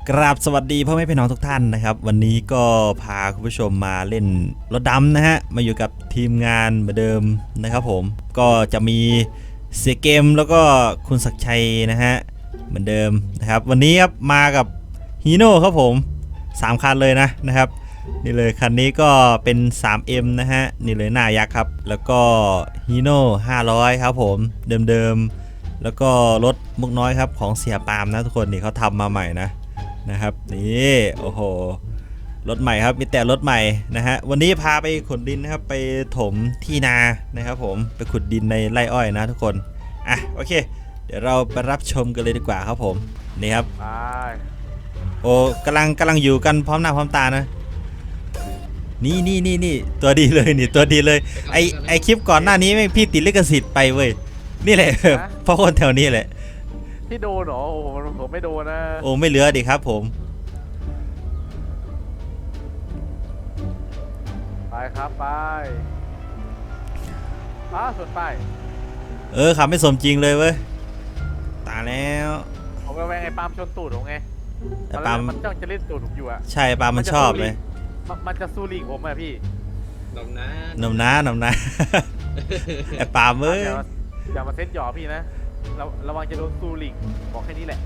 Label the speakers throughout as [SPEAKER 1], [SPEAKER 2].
[SPEAKER 1] กราบสวัสดีพ่อแม่พี่น้องทุกท่านนะครับวันนี้ก็พาคุณผู้ชมมาเล่นรถดำนะฮะมาอยู่กับทีมงานเหมือนเดิมนะครับผมก็จะมีเสียเกมแล้วก็คุณศักดิ์ชัยนะฮะเหมือนเดิมนะครับวันนี้ครับมากับฮีโน่ครับผม3คันเลยนะครับนี่เลยคันนี้ก็เป็น 3M นะฮะนี่เลยหน้ายักษ์ครับแล้วก็ฮีโน่500ครับผมเดิมๆแล้วก็รถมุกน้อยครับของเสียปาล์มนะทุกคนนี่เขาทำมาใหม่นะครับนี่โอ้โหรถใหม่ครับมีแต่รถใหม่นะฮะวันนี้พาไปขุดดินนะครับไปถมที่นานะครับผมไปขุดดินในไร่อ้อยนะทุกคนอ่ะโอเคเดี๋ยวเราไปรับชมกันเลยดีกว่าครับผมนี่ครับโอ้กำลังอยู่กันพร้อมหน้าพร้อมตานะนี่ตัวดีเลยนี่ตัวดีเลยไอคลิปก่อนหน้านี้แม่งพี่ติดลิขสิทธิ์ไปเว้ยนี่แหละเพราะคนแถวนี้แหละ
[SPEAKER 2] พี่โดนเหรอโอ้ผมไม่โดนนะ
[SPEAKER 1] โอ้ไม่เหลือดิครับผม
[SPEAKER 2] ไปครับไปส่วนไป
[SPEAKER 1] ขับไม่สมจริงเลยเว้ยตายแล้ว
[SPEAKER 2] ผมก็แวงไอ้ปาล์มชนตูดผมไง
[SPEAKER 1] แต่ปาล์ม
[SPEAKER 2] มันจ้องจะเล่นตูดผมอยู่อะ
[SPEAKER 1] ใช่ปาล์มมันชอบเลย
[SPEAKER 2] มันจะสู้ลิงผมอะพี่
[SPEAKER 1] หนมนะไอ้ปาล์มเว้ย
[SPEAKER 2] อย่ามาเซ็ตหยอพี่นะระวังจะโดนสู้ลิงบอกแค่นี้แหละ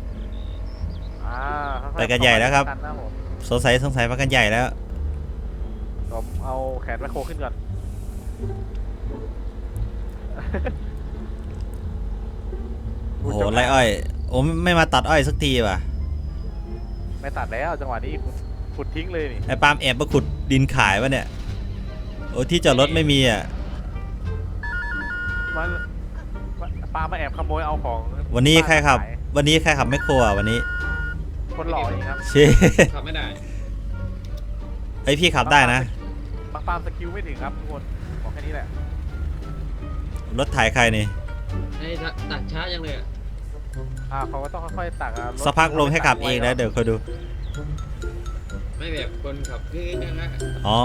[SPEAKER 1] ไปกันใหญ่แล้วครับสงสัยไปกันใหญ่แล้ว
[SPEAKER 2] ผมเอาแขนแมคโครขึ้นก่อน
[SPEAKER 1] โอ้โหไรอ้อยโอ้ไม่มาตัดอ้อยสักทีว่ะ
[SPEAKER 2] ไม่ตัดแล้วจังหวะนี้ขุดทิ้งเลยนี่
[SPEAKER 1] ไอ้ปาล์มแอบมาขุดดินขายวะเนี่ยโอ้ที่จอดรถไม่มีอ่ะ
[SPEAKER 2] มันปาล์มมาแอบขโมยเอาของ
[SPEAKER 1] วันนี้ใครขับแมคโครอ่ะวันนี้
[SPEAKER 2] คนหล่อเองครับ
[SPEAKER 1] ขับไม่ได้ไอพี่ขับได้นะ
[SPEAKER 2] บางปาล์มสกิลไม่ถึงครับทุกคนบอกแค่นี้แหละ
[SPEAKER 1] รถถ่ายใครนี่
[SPEAKER 3] ตักช้ายังเลย
[SPEAKER 2] เขาก็ต้องค่อยๆตัก
[SPEAKER 1] สักพักลงให้ขับเองนะเดี๋ยวคอยดู
[SPEAKER 3] ไม่แบบคนขับคือนะ
[SPEAKER 1] อ๋อ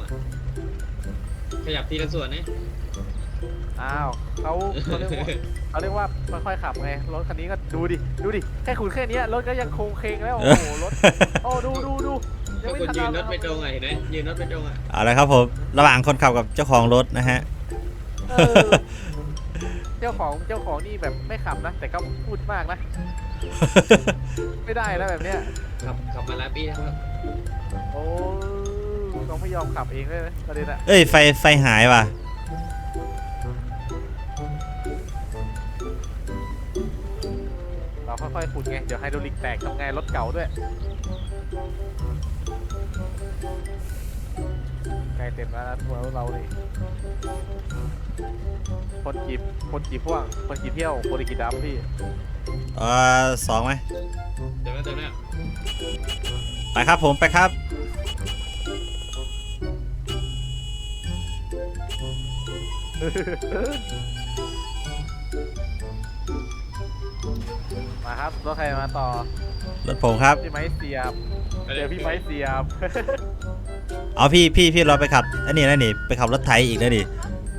[SPEAKER 3] ขยับทีละส่วนนี่
[SPEAKER 2] เขาเรียกว่าค่อยๆขับไงรถคันนี้ก็ดูดิแค่ขุนแค่นี้รถก็ยังโค้งเคงแล้วโอ้โหรถดู
[SPEAKER 3] ยังไม่ทันยืนรถไม่ตรงเห็นไหมยืนรถไม่ตรง
[SPEAKER 1] เอาละครับผมระหว่างคนขับกับเจ้าของรถนะฮะ
[SPEAKER 2] เจ้าของนี่แบบไม่ขับนะแต่ก็พูดมากนะไม่ได้แล้วแบบเนี้ย
[SPEAKER 3] ขับมาแล้วพี่ครับ
[SPEAKER 2] โอ้ต้องไม่ยอมขับเองเลยประเด็นอะ
[SPEAKER 1] ไฟหายว่ะ
[SPEAKER 2] เราค่อยๆขุดไงเดี๋ยวไฮดรอลิกแตกทำไงรถเก่าด้วยใกล้เต็มแล้วนะทัวร์เราเลยคนจีบพ่วงคนจีบเที่ยวคนจีบดำพี่
[SPEAKER 1] 2ไหม
[SPEAKER 3] เต็มแล้ว
[SPEAKER 1] ไปครับผมไปครับ
[SPEAKER 2] มาครับรถใครมาต่อ
[SPEAKER 1] รถผมครับ
[SPEAKER 2] พี่ไม้เสียบเดี๋ยวพี่ไม้เสียบ
[SPEAKER 1] เอาพี่เราไปขับอันนี้นะนี่ไปขับรถไถอีกนะดิ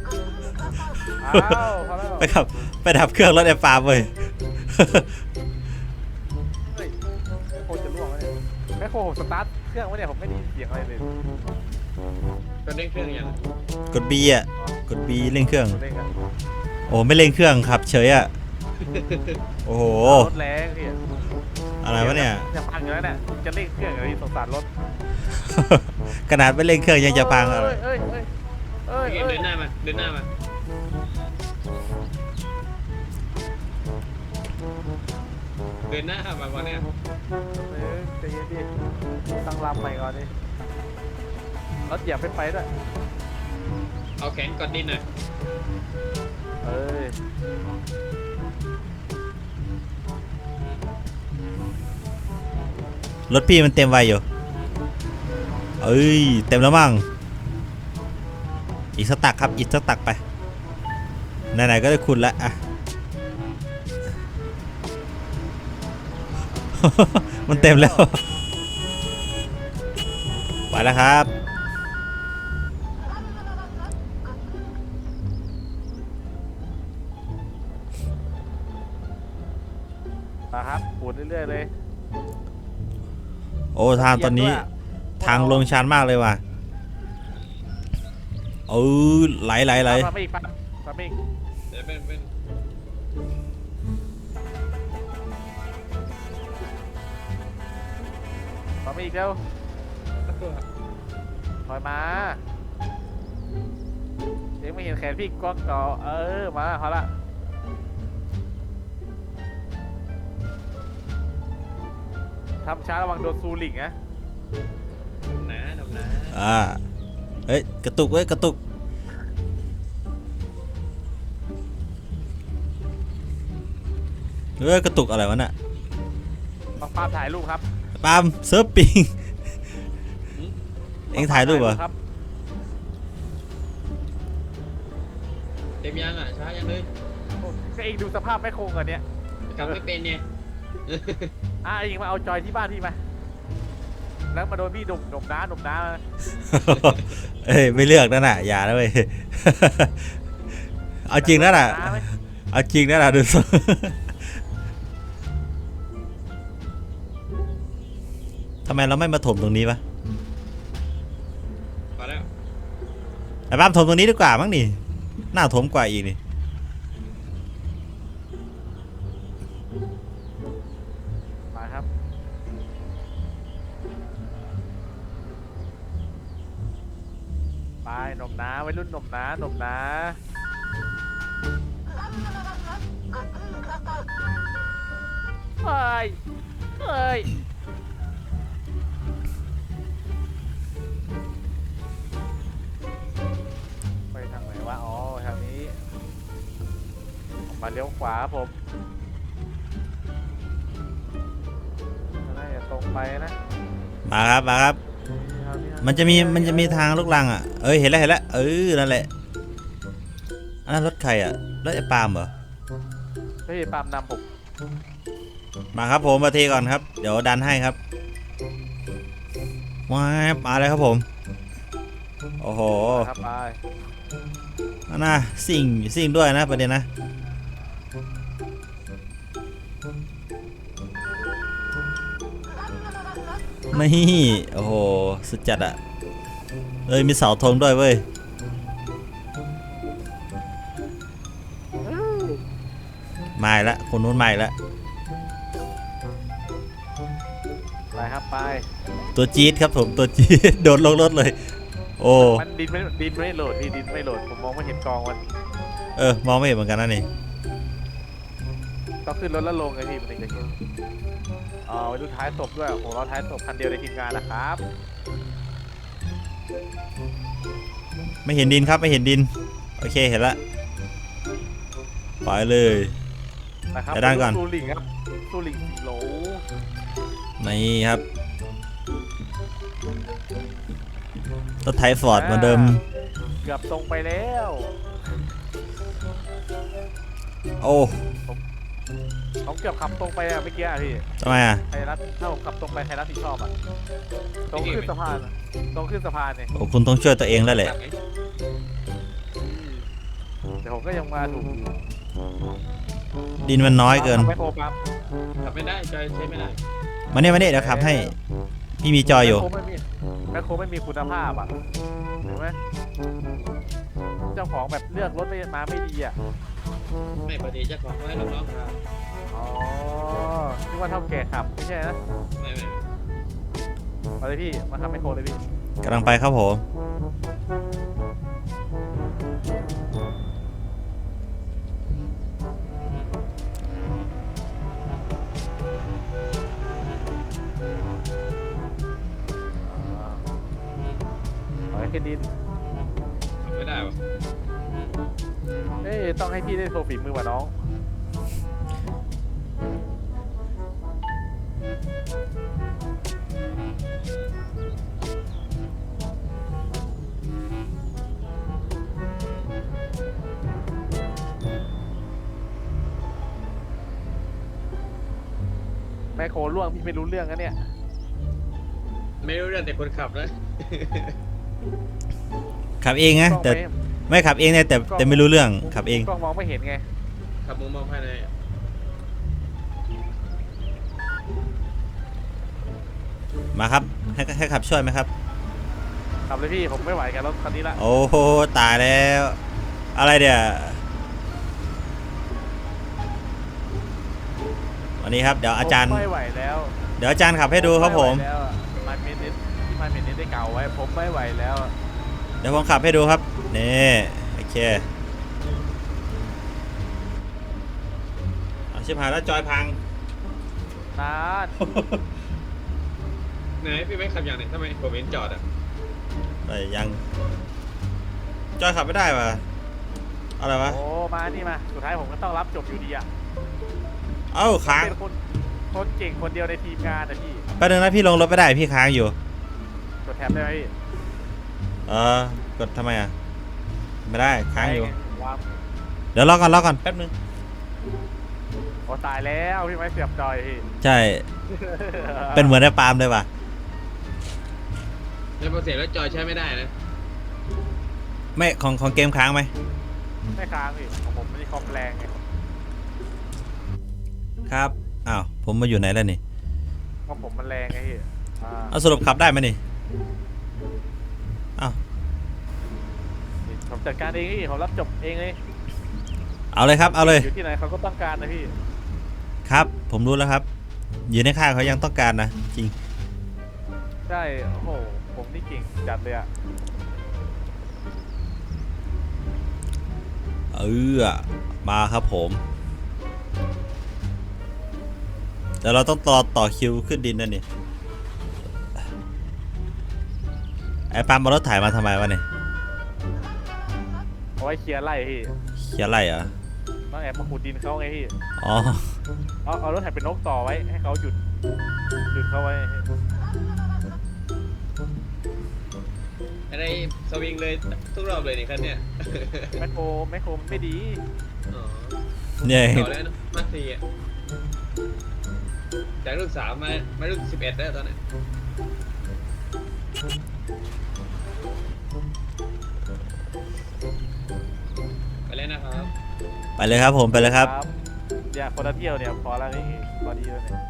[SPEAKER 1] ไปดับเครื่องรถไอ้ปาล์มเลย
[SPEAKER 2] โคจะล่วงเลยแม่โคสตาร์ทเครื่องวะเนี่ยผมไม่ได้ยินเสียงอะไรเลย
[SPEAKER 3] ก็เร่งเครื่องยัง
[SPEAKER 1] กด B อ่ะกด B เร่งเครื่องโอ้ไม่เร่งเครื่องครับเฉยอ่ะโอ้โห
[SPEAKER 2] รถแรงพี่
[SPEAKER 1] อะไรวะเนี่ย
[SPEAKER 2] จะพังอยู่แล้วเนี่ยจะเร่งเครื่องอะไรสงสารรถ
[SPEAKER 1] ขนาดไม่เร่งเครื่องยังจะพังอะไร
[SPEAKER 3] เดินหน้ามาเดินหน้ามาวันนี้
[SPEAKER 2] ใจเย็นดิตั้งลำใหม่ก่อนดิรถเหยียบไปด้วย
[SPEAKER 3] เอาแขนกดดินหน่อย
[SPEAKER 1] รถพี่มันเต็มไวอยู่เต็มแล้วมั้งอีกสักตักครับอีกสักตักไปไหนๆก็ได้คุณแล้วอ่ะมันเต็มแล้วไปแล้วครับ
[SPEAKER 2] มาครับปูดเรื่อยๆเลย
[SPEAKER 1] โอ้ทางตอนนี้ทางลงชันมากเลยว่ะไหล
[SPEAKER 2] มาไม่อีกมาไม่อีก
[SPEAKER 3] เดี๋ยวเป็น
[SPEAKER 2] มาไม่อีกแล้วถอยมาเอ็งไม่เห็นแขนพี่ก้อนก่อมาเขาละทำช้าระวังโดนซูลิงนะ
[SPEAKER 3] ดำน้
[SPEAKER 1] เฮ้ยกระตุกกระตุกกระตุกอะไรวะน่ะ
[SPEAKER 2] ปาล์มถ่ายรูปครับ
[SPEAKER 1] ปาล์มเซิร์ฟปิงเอ็งถ่ายรูปเหรอ
[SPEAKER 2] ครับ
[SPEAKER 3] เต็มยังอ่ะช้ายังเลย
[SPEAKER 2] ก็เองดูสภาพไม่คงกันเนี่ย
[SPEAKER 3] กลับไม่เป็นเนี่ย
[SPEAKER 2] เองมาเอาจอยที่บ้านพี่มาแล้วมาโดนพี่หนุ่มน้า
[SPEAKER 1] เอ้ยไม่เลือกนั่นน่ะอย่านะเว้ย เอาจริงนั่นน่ะเอาจริงนั่นน่ะดูสิทำไมเราไม่มาถมตรงนี้วะ
[SPEAKER 3] พอแล้ว
[SPEAKER 1] ไอ้บ้ามถมตรงนี้ดีกว่ามั้งนี่น่าถมกว่าอีกนี่
[SPEAKER 2] มาครับไปหนุ่มน้าวัยรุ่นหนุ่มน้าเฮ้ยไปทางไหนวะอ๋อทางนี้มาเลี้ยวขวาครับผมน่าจะตรงไปนะ
[SPEAKER 1] มาครับมันจะมีทางลูกรังอ่ะเห็นแล้วนั่นแหละอันนั้นรถใครอ่ะรถไอ้ปาล์มเหรอ
[SPEAKER 2] เฮ้ยปาล์มนำผม
[SPEAKER 1] มาครับผมมาเทก่อนครับเดี๋ยวดันให้ครับมาเลยครับผมโอ้โห
[SPEAKER 2] ครับไป
[SPEAKER 1] น่าสิ่งด้วยนะประเด็นนะนี่โอ้โหสุดจัดอ่ะมีเสาธงด้วยเว้ยมาอีกแล้วคนนู้นมาอีกแล้ว
[SPEAKER 2] ไปครับไป
[SPEAKER 1] ตัวจี๊ดครับผมตัวจี๊ด โดดลงรถเลยโอ้
[SPEAKER 2] มันดินไม่โหลดพี่ดินไม่โหลดผมมองไม่เห็นกองมัน
[SPEAKER 1] มองไม่เห็นเหมือนกันนะนี่
[SPEAKER 2] ต้องขึ้นรถแล้วลงไงพี่มันถึงจะเห็นไปดูท้ายศพด้วยโอ้โหเราท้ายศพคันเดียวในทีมงานนะครับ
[SPEAKER 1] ไม่เห็นดินครับไม่เห็นดินโอเคเห็นละปล่อยเลย
[SPEAKER 2] นะครับ
[SPEAKER 1] ไปด้านก่อน
[SPEAKER 2] ซูลิงครับซูลิง4 โหล
[SPEAKER 1] นี่ครับรถไถฟอร์ดเหมือนเดิม
[SPEAKER 2] เกือบตรงไปแล้ว
[SPEAKER 1] โอ้
[SPEAKER 2] ผมเกือบขับตรงไปอะเมื่อกี้อะพี่
[SPEAKER 1] ทำไมอ่ะ
[SPEAKER 2] ใครรับถ้าผมขับตรงไปใครรับผิดชอบอะตรงขึ้นสะพานอะตรงขึ้นสะพานเนี่ย
[SPEAKER 1] โอ้คุณต้องช่วยตัวเองแล้วแหละ
[SPEAKER 2] แต่ผมก็ยังมาถูกอยู่
[SPEAKER 1] ดินมันน้อยเกิน
[SPEAKER 2] ไม่โครปั๊ม
[SPEAKER 3] ขับไม่ได้จอยใช้ไม่ได้
[SPEAKER 1] มาเนี่ยเดี๋ยวขับให้พี่มีจอยอยู่
[SPEAKER 2] แมคโครไม่มีคุณภาพอ่ะเห็นไหมเจ้าของแบบเลือกรถมาไม่ดีอ่ะ
[SPEAKER 3] ไม่พอดีเจ้าของไว้น้องๆครับ
[SPEAKER 2] อ๋อนึกว่าเท่าแก่ขับไม่ใช่นะ
[SPEAKER 3] ไม่
[SPEAKER 2] มาเลยพี่มาทำแมคโครเลยพี่
[SPEAKER 1] กำลังไปครับผม
[SPEAKER 2] เอาให้ดิน
[SPEAKER 3] ขับไม่ได้วะ
[SPEAKER 2] เอ้ยต้องให้พี่ได้โชว์ฝีมือว่ะน้องแมคโครล่วงพี่ไม่รู้เรื่องนะเนี่ย
[SPEAKER 3] ไม่รู้เรื่องแต่คนขับนะ
[SPEAKER 1] ขับเองนะ
[SPEAKER 2] กล้อง
[SPEAKER 1] แต่ไม่ขับเองเนี่ยแต่ไม่รู้เรื่องขับเอง
[SPEAKER 2] กล้องมองไม่เห็นไง
[SPEAKER 3] ขับมุมมองภายในอะ
[SPEAKER 1] มาครับให้ขับช่วยไหมครับ
[SPEAKER 2] ขับเลยพี่ผมไม่ไหวกับรถคันนี้ละ
[SPEAKER 1] โอ้โหตายแล้ว อะไรเดี๋ยววันนี้ครับเดี๋ยวอาจารย์
[SPEAKER 2] ผมไม่ไหวแล้ว
[SPEAKER 1] เดี๋ยวอาจารย์ขับให้ดูครับผม
[SPEAKER 2] ไไหวแล้วมาเมนิสที่มาเมนิสได้เก่าไว้ผมไม่ไหวแล้ว
[SPEAKER 1] เดี๋ยวผมขับให้ดูครับนี่โอเคเอาชิบหายแล้วจอยพัง
[SPEAKER 2] นาน
[SPEAKER 3] ไหนพี่ไม่ขับอย่างไหนทำไมผมเห็นจอดอ่ะ
[SPEAKER 1] ไปยังจอยขับไม่ได้ป่ะอะไรวะ
[SPEAKER 2] โอ้มานี่มาสุดท้ายผมก็ต้องรับจบอยู่ดีอ่ะ
[SPEAKER 1] เอ้าค้าง
[SPEAKER 2] เป็นคนเก่งคนเดียวในทีมงานนะพี่
[SPEAKER 1] แป๊บนึงนะพี่ลงรถไม่ได้พี่ค้างอยู่
[SPEAKER 2] กดแท็บได้ไหมพี่
[SPEAKER 1] กดทำไมอ่ะไม่ได้ค้างอยู่
[SPEAKER 2] วาง
[SPEAKER 1] เดี๋ยวรอก่อนแป๊บนึง
[SPEAKER 2] โอ้ตายแล้วพี่ไม้เสียบจอยพี่
[SPEAKER 1] ใช่เป็นเหมือนไอ้ปาล์มเลยว่ะ
[SPEAKER 3] แล้วพอเสร็จแล้วจอยใช้ไม่ได้นะ
[SPEAKER 1] ไม่ของเกมค้างไหม
[SPEAKER 2] ไม่ค้างพี่ของผมมันมีคอมแรงไง
[SPEAKER 1] ครับอ้าวผมมาอยู่ไหนแล้วนี่
[SPEAKER 2] ของผมมันแรงไงพี่
[SPEAKER 1] เอาสรุปขับได้ไหมนี่อ้าว
[SPEAKER 2] นี่ผมจัดการเองพี่ผมรับจบเองเลย
[SPEAKER 1] เอาเลยครับเอาเลย
[SPEAKER 2] อยู่ที่ไหนเขาก็ต้องการนะพี่
[SPEAKER 1] ครับผมรู้แล้วครับอยู่ในค่ายเขายังต้องการนะจริง
[SPEAKER 2] ใช่โอ้โหผมนี่เก่งจัดเลยอ่ะ
[SPEAKER 1] มาครับผมแต่เราต้องต่อคิวขึ้นดินนั่นนี่ไอ้ปาล์มเอารถถ่ายมาทำไมวะเนี่ย
[SPEAKER 2] เอาไว้เคลียร์ไล่พี่
[SPEAKER 1] เขียนอะไรเหรอ
[SPEAKER 2] ต้องแอบมาขุดดินเขาไงพี่
[SPEAKER 1] อ๋อ
[SPEAKER 2] เอารถไถเป็นนกต่อไว้ให้เขาหยุดเขาไว้
[SPEAKER 3] อะไรสวิงเลยทุกรอบเลยนี่คันเนี่ย
[SPEAKER 2] แมคโครมันไม่ดี
[SPEAKER 3] อ๋อ
[SPEAKER 1] เนี่ย
[SPEAKER 3] ต่อแล้วนะมาสี่อ่ะจากรุ่น3มารุ่น11แล้วตอนนี้ไปแล้วนะครับ
[SPEAKER 1] ไปเลยครับผมไปเลยครับ
[SPEAKER 2] อย่าคนละเที่ยวเนี่ยพอแล้วนี่พอดีแล้วเนี่ย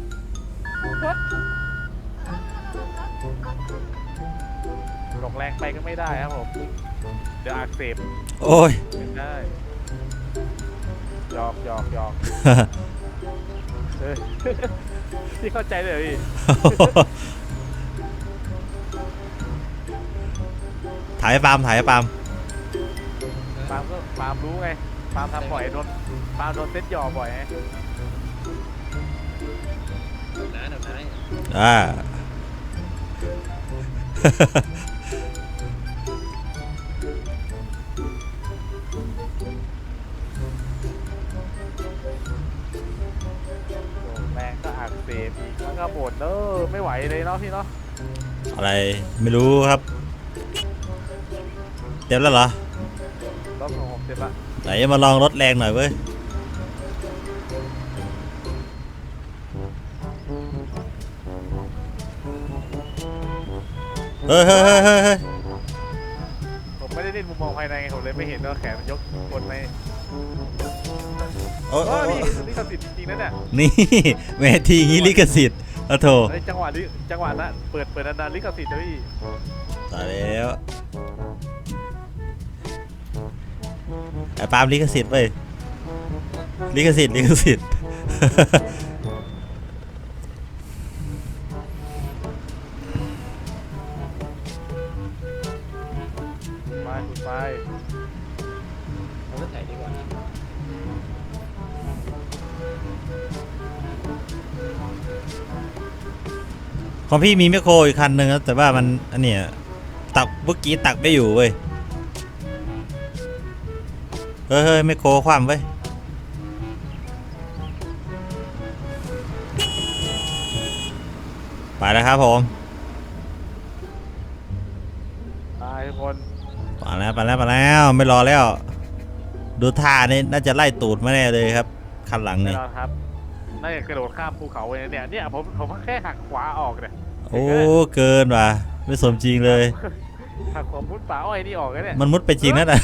[SPEAKER 2] หลงแรงไปก็ไม่ได้ครับผมเดี๋ยวอักเสบ
[SPEAKER 1] โอ้ย
[SPEAKER 2] ไม่ได้หยอกเออ พี่เข้าใจเลยเหรอพี่
[SPEAKER 1] ถ่ายให้ปาล์ม
[SPEAKER 2] ปาล์มรู้ไงปาล์มทำบ่อยปาล์มโดนเซ็ตหยอกบ่อยไง
[SPEAKER 3] นะเดี๋ยวนะ
[SPEAKER 1] อ่า
[SPEAKER 2] หลงแรงก็อักเสบอีกแล้วก็บ่นไม่ไหวเลยเนาะพี่เนาะ
[SPEAKER 1] อะไรไม่รู้ครับเต็มแล้วเหรอ
[SPEAKER 2] รถของผมเสร็จละ
[SPEAKER 1] ไหนมาลองรถแรงหน่อยเว้ยเฮ้ย
[SPEAKER 2] ผมไม่ได้เล่นมุมมองภายในไงผมเลยไม่เห็นว่าแขนมันยกกดใน
[SPEAKER 1] โอ้ย
[SPEAKER 2] นี่ลิขสิทธิ์จริงๆนะเนี่ย
[SPEAKER 1] นี่แม่ทีงี้ลิขสิทธิ์อะโถ
[SPEAKER 2] ในจังหวะนั้นเปิดนานๆลิขสิทธิ์นะพี่
[SPEAKER 1] ตายแล้วไอ้ปาล์มลิขสิทธิ์เว้ยลิขสิทธิ์
[SPEAKER 2] ไปคุณไป
[SPEAKER 3] เอารถไถดีกว่า
[SPEAKER 1] ของพี่มีแมคโครอีกคันหนึ่งนะแต่ว่ามันอันเนี้ยตักเมื่อกี้ตักไม่อยู่เว้ยเฮ้ยแมคโครคว่ำเว้ยไปแล้วครับผม
[SPEAKER 2] ไปทุกคน
[SPEAKER 1] ไปแล้วไม่รอแล้ว ดูท่านี่น่าจะไล่ตูดมาแน่เลยครับคันหลัง
[SPEAKER 2] แน่
[SPEAKER 1] นี่
[SPEAKER 2] นอนครับน่าจะกระโดดข้ามภูเขาไปเนี่ยผมแค่หักขวาออกเนี่ย
[SPEAKER 1] โอ้เกินว่ะไม่สมจริงเลย
[SPEAKER 2] หักขวามุดป่าอ้อยนี่ออกเนี่ย
[SPEAKER 1] มันมุดไปจริงนั่นน่ะ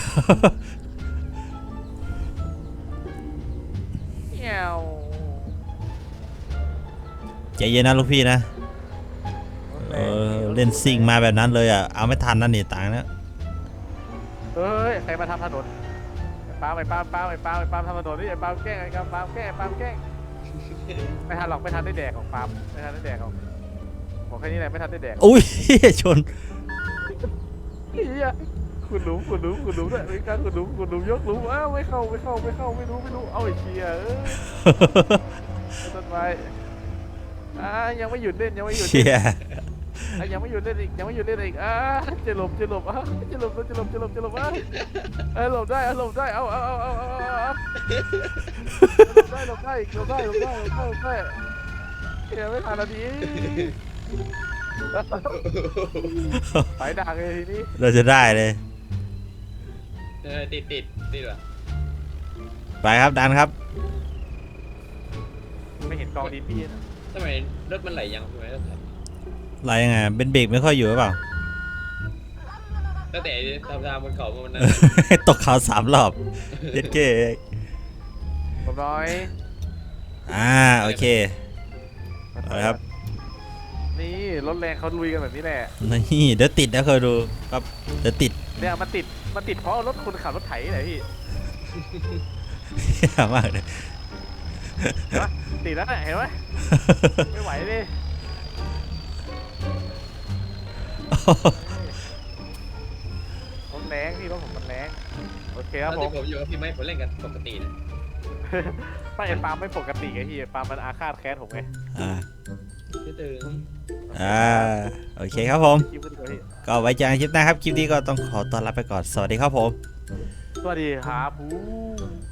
[SPEAKER 2] เงี้ยว
[SPEAKER 1] ใจเย็นนะลูกพี่นะเล่นซิ่งมาแบบนั้นเลยอ่ะเอาไม่ทันนั่นนี่ต่างนะ
[SPEAKER 2] เฮ้ยใครมาทำถนนไอ้ปาล์มไอ้ปาล์มปาล์มไอ้ปาล์มไอ้ปาล์มทำถนนนี่ไอ้ปาล์มแกล้งไอ้ปาล์มแกล้งไอ้ปาล์มแกล้งไม่ทันหรอกไม่ทันได้แดกของปาล์มไม่ทันได้แดกของบอกแค่นี้แหละไม่ทันได้แดก
[SPEAKER 1] อุ้ย ชน
[SPEAKER 2] เฮียขุดหลุมด้วยมีการขุดหลุมยกหลุมอ้าวไม่เข้าไม่รู้เอาไอ้เชียต้นไม้ยังไม่หยุดเล่นยังไม่หยุด
[SPEAKER 1] เชี
[SPEAKER 2] เล่น
[SPEAKER 1] ย
[SPEAKER 2] ยังไม่หยุดเล่นอีกจะหลบจะหลบจะหลบจะหลบหลบได้หลบได้เอาหลบได้อีกหลบได้เฮียไม่ทันนาทีไปดักเลยทีนี้
[SPEAKER 1] เราจะได้เลย
[SPEAKER 3] ติดว่ะ
[SPEAKER 1] ไปครับดันครับ
[SPEAKER 2] ไม่เห็นกองดินพี่นะ
[SPEAKER 3] ทำไมรถมันไหลยังทำไมรถไหล
[SPEAKER 1] อะไรยังไงเป็นเบรกไม่ค่อยอยู่หรือเปล่า
[SPEAKER 3] ตั้งแต่ทำบนเขามันนั้น
[SPEAKER 1] ตกเขา3 รอบเย็ดเก้
[SPEAKER 2] ผมน้อย
[SPEAKER 1] โอเคเอาละครับ
[SPEAKER 2] นี่รถแรงเขาลุยกันแบบนี้แหละ
[SPEAKER 1] นี่เดี๋ยวติดนะเคยดูครับเดี๋ยวติด
[SPEAKER 2] เนี่ยมันติดเพราะรถคนขับรถไถนี่แหละพี่
[SPEAKER 1] เหี้ยมากเลย
[SPEAKER 2] เห็นปะติดแล้วเนี่ยเห็นไหมไม่ไหวเลยผมแรงพี่รถผมมันแรงโอเคครับ
[SPEAKER 3] ตอน
[SPEAKER 2] ผม
[SPEAKER 3] ที่ผมอยู่กับพี่ไม่ผมเล่นกันปกตินะ
[SPEAKER 2] ไม่ไอ้ปาล์มไม่ปกติไงพี่ปาล์มมันอาฆาตแค้นผมไง
[SPEAKER 1] อ่า
[SPEAKER 3] ตื่น
[SPEAKER 1] โอเคครับผม
[SPEAKER 2] คลิปก็ดีกว่าพี่
[SPEAKER 1] ก็ไว้เจอกันคลิปหน้าครับ คลิปนี้ก็ต้องขอต้อนรับไปก่อน สวัสดีครับผม
[SPEAKER 2] สวัสดีครับ